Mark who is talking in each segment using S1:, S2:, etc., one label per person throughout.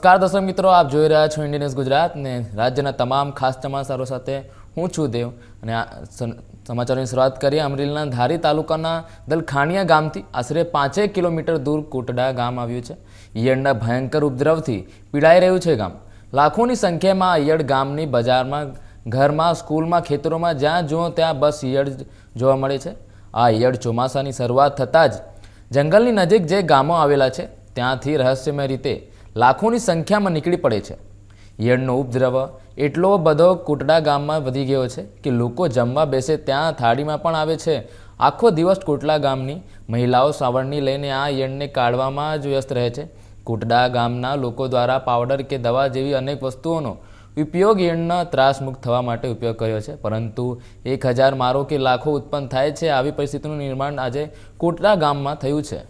S1: નમસ્કાર દર્શક મિત્રો, આપ જોઈ રહ્યા છો ઇન્ડિયન ન્યૂઝ ગુજરાત ને રાજ્યના તમામ ખાસ સમાચારો સાથે હું છું દેવ અને આ સમાચારોની શરૂઆત કરીએ અમરેલીના ધારી તાલુકાના દલખાણિયા ગામથી આશરે 5 કિલોમીટર દૂર કોટડા ગામ આવ્યું છે। ઈયળના ભયંકર ઉપદ્રવથી પીડાઈ રહ્યું છે ગામ। લાખોની સંખ્યામાં ઈયળ ગામની બજારમાં, ઘરમાં, સ્કૂલમાં, ખેતરોમાં જ્યાં જુઓ ત્યાં બસ ઈયળ જોવા મળે છે। આ ઈયળ ચોમાસાની શરૂઆત થતાં જ જંગલની નજીક જે ગામો આવેલા છે ત્યાંથી રહસ્યમય રીતે લાખોની સંખ્યામાં નીકળી પડે છે। ઈયળનો ઉપદ્રવ એટલો બધો કોટડા ગામમાં વધી ગયો છે કે લોકો જમવા બેસે ત્યાં થાળીમાં પણ આવે છે। આખો દિવસ કોટડા ગામની મહિલાઓ સાવરણી લઈને આ ઈયળને કાઢવામાં જ વ્યસ્ત રહે છે। કોટડા ગામના લોકો દ્વારા પાવડર કે દવા જેવી અનેક વસ્તુઓનો ઉપયોગ ઈયળના ત્રાસમુક્ત થવા માટે ઉપયોગ કર્યો છે, પરંતુ 1000 મારો કે લાખો ઉત્પન્ન થાય છે। આવી પરિસ્થિતિનું નિર્માણ આજે કોટડા ગામમાં થયું છે।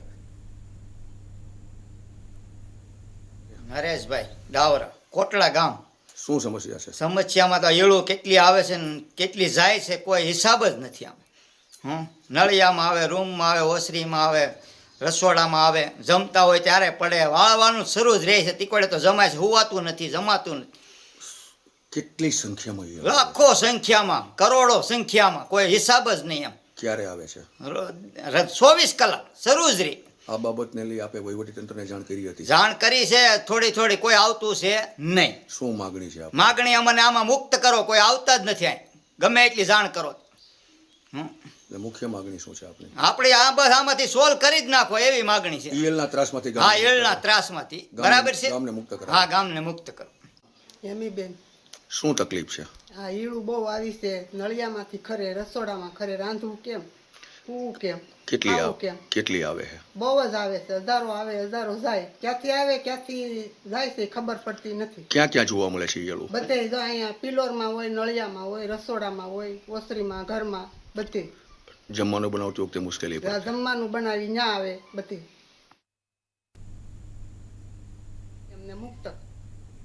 S2: નરેશભાઈ ડાવરા, કોટડા ગામ।
S3: શું સમસ્યા છે?
S2: સમસ્યામાં તો ઈળો કેટલી આવે છે ને કેટલી જાય છે કોઈ હિસાબ જ નથી આમ। નળિયામાં આવે, રૂમમાં આવે, ઓસરીમાં આવે, રસોડામાં આવે, જમતા હોય ત્યારે પડે, વાળવાનું શરૂ જ રહે છે। તીકોડે તો જમાય છે, હુવાતું નથી, જમાતું નથી।
S3: કેટલી સંખ્યામાં ઈયળ?
S2: લાખો સંખ્યામાં, કરોડો સંખ્યામાં, કોઈ હિસાબ જ નહીં એમ।
S3: ક્યારે આવે છે?
S2: 24 કલાક શરૂ જ રહી।
S3: આ બાબતને લઈ આપે વહીવટીતંત્રને જાણ કરી હતી?
S2: જાણ કરી છે, થોડી કોઈ આવતું છે નહીં।
S3: શું માગણી છે આપની?
S2: માગણી અમને આમાં મુક્ત કરો, કોઈ આવતા જ નથી અહીં, ગમે એટલી જાણ કરો।
S3: એટલે મુખ્ય માગણી શું છે આપની?
S2: આપણે આ બસ આમાંથી સોલ્વ કરી જ નાખો એવી માગણી છે।
S3: ઈયળના ત્રાસમાંથી
S2: હા, ઈયળના ત્રાસમાંથી બરાબર છે।
S3: ગામને મુક્ત કરો।
S2: હા, ગામને મુક્ત કરો।
S4: એમીબેન,
S3: શું તકલીફ છે?
S4: આ ઈળું બહુ આવી છે, નળિયામાંથી ખરે, રસોડામાં ખરે, રાંધવું કેમ, પૂવું કેમ,
S3: કેટલી
S4: ખાવું
S3: આવે?
S4: કેમ,
S3: કેટલી આવે છે?
S4: બહુ જ આવે છે। હજારો આવે, હજારો જાય, ક્યાંથી આવે ક્યાંથી જાય છે ખબર પડતી નથી।
S3: ક્યાં ક્યાં જોવા મળે છે ઈયળો?
S4: બધે જો અહીંયા પિલોરમાં હોય, નળિયામાં હોય, રસોડામાં હોય, ઓસરીમાં, ઘરમાં, બધે
S3: જમવાનું બનાવતી વખતે મુશ્કેલી પડે?
S4: જમવાનું બનાવી ન્યા આવે, બધે એમને મુક્ત